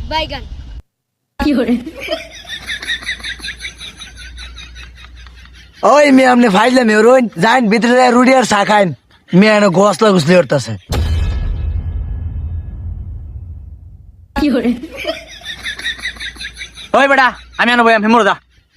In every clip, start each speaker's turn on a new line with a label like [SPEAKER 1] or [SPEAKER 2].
[SPEAKER 1] বাইগান।
[SPEAKER 2] ওই মেয়ে আপনি ফাইলে মেয়ে রইন যাইন ভিতরে রুটি আর চা খাইন মেয়ে এনে গোসলা গুসলি করতেছে।
[SPEAKER 3] ওই বেটা আমি আনবো আমি মরে যা।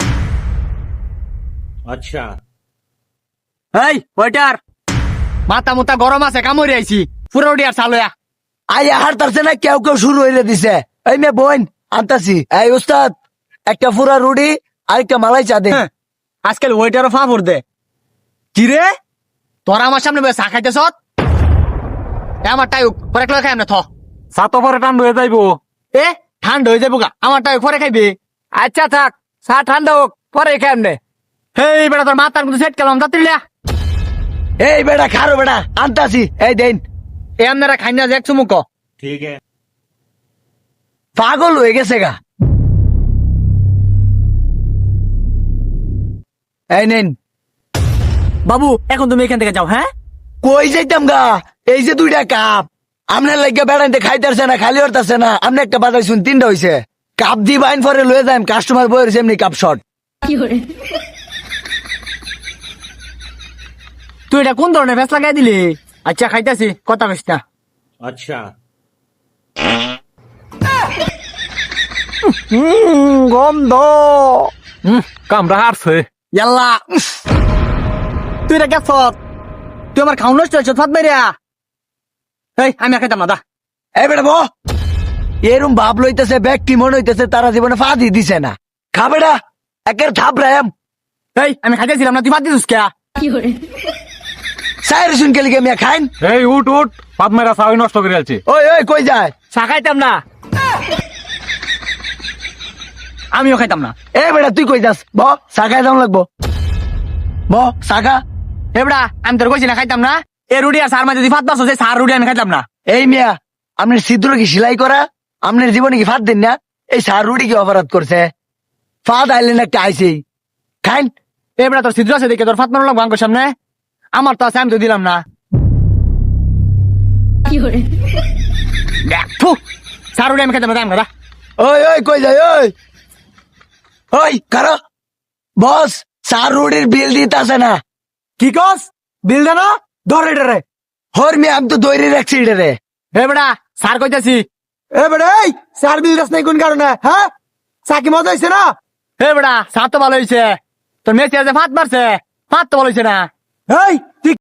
[SPEAKER 4] अच्छा
[SPEAKER 3] এই ওইটার মাথা মুতা গরম আছে কামড়ে আইছি পুরো রুটি আর চালয়া।
[SPEAKER 2] আই হারতারছে না কেউ কেউ শুরু হইলে দিছে। এই মেয়ে বোন আনতাছি। এই উস্তাদ একটা পুরা রুটি আর একটা মালাই চা দে।
[SPEAKER 3] আজকাল ওইটারও ফাঁপড় দে কি রে তোরা আমার সামনে বসে চা খাইতেছ আমার টাই পরে একলা খাই না থ
[SPEAKER 4] চা তো পরে ঠান্ডা হয়ে যাইবো।
[SPEAKER 3] এ ঠান্ডা হয়ে যাবো গা আমার টাই পরে খাইবে।
[SPEAKER 4] আচ্ছা থাক চা ঠান্ডা হোক পরে কেমনে।
[SPEAKER 3] এই বেটা তোর মাথার মধ্যে সেট কেলাম তাতিলা
[SPEAKER 2] এই বেটা খারো বেটা আনতাছি। এই দেন
[SPEAKER 3] এ আপনারা খাই না যে এক চুমুক
[SPEAKER 4] ठीक है
[SPEAKER 2] পাগল হয়ে গেছে গা। এই নেন
[SPEAKER 3] বাবু এখন তুমি এখান থেকে যাও। হ্যাঁ
[SPEAKER 2] কই যাইতাম গা এই যে দুইটা কাপ আপনার লাগে বেড়াইতে খাইতেছে না খালি হরতাছে না আপনি একটা বাজার শুন তিনটা হইছে কাপ দি বাইন পরে লয়ে যান কাস্টমার বই রয়েছে এমনি কাপ শর্ট।
[SPEAKER 3] তুই এটা কোন ধরনের ফেস লাগাই দিলি। আচ্ছা খাইতেছি কথা কইস না।
[SPEAKER 4] अच्छा
[SPEAKER 3] গন্ধ
[SPEAKER 4] কামড়া হারছে।
[SPEAKER 3] ইয়াল্লা তুই এটা গেছ তুই আমার খাওয়া নষ্ট হয়েছ ফাত মেরিয়া। এই আমি আর খাইতাম না দা।
[SPEAKER 2] এই বেটা বো এরম ভাব লইতেছে ব্যক্তি মনে হইতেছে তারা জীবনে ফাঁদি দিছে না। খা বেটা একের থাপ রাম।
[SPEAKER 3] এই আমি খাইতেছিলাম না তুই ফাত দিছিস কে।
[SPEAKER 2] সাইরে শুন কেলি মিয়া খাইন।
[SPEAKER 4] এই উঠ উঠ পাত মেরা চাউই নষ্ট করে আলছি।
[SPEAKER 2] ওই ওই কই যায়
[SPEAKER 3] চা খাইতাম না আমিও খাইতাম না।
[SPEAKER 2] এ বেটা তুই কই যাস ব চা খাই দাম লাগবো ব চা খা।
[SPEAKER 3] এবড়া আমি তোর কইছি না খাইতাম না। এ রুটি আর সার মাঝে যদি ফাত পারছো সেই সার রুটি আমি খাইতাম না।
[SPEAKER 2] এই মিয়া আপনার ছিদ্র কি সেলাই করা আপনার জীবনে কি ফাঁদ দিন না এই সার রুটি কি অপরাধ করছে ফাঁদ আইলেন একটা আইসেই খাইন।
[SPEAKER 3] এবড়া তোর ছিদ্র আছে দেখে তোর ফাত মারলাম গাঙ্গোর সামনে আমার তো আছে আমি তো দিলাম না। দেখ, থু, সার রুটি আমি খাইতাম না দাম
[SPEAKER 2] ওই ওই কই যায় ওই ওই কারো বস সার রুটির বিল দিতে আসে না।
[SPEAKER 3] কি কস বিল দেন
[SPEAKER 2] ধরে ডরে হর মিয়া আমি তো দৈরি রাখছি রে।
[SPEAKER 3] এবড়া সার কইতাছি।
[SPEAKER 2] এ বেটা এই সার বিল দাস নাই কোন কারণে হ্যাঁ চাকি মজা হয়েছে না।
[SPEAKER 3] এবড়া সার তো ভালো হয়েছে তোর মেসি আছে ফাত মারছে ফাত তো ভালো হয়েছে না।
[SPEAKER 2] এই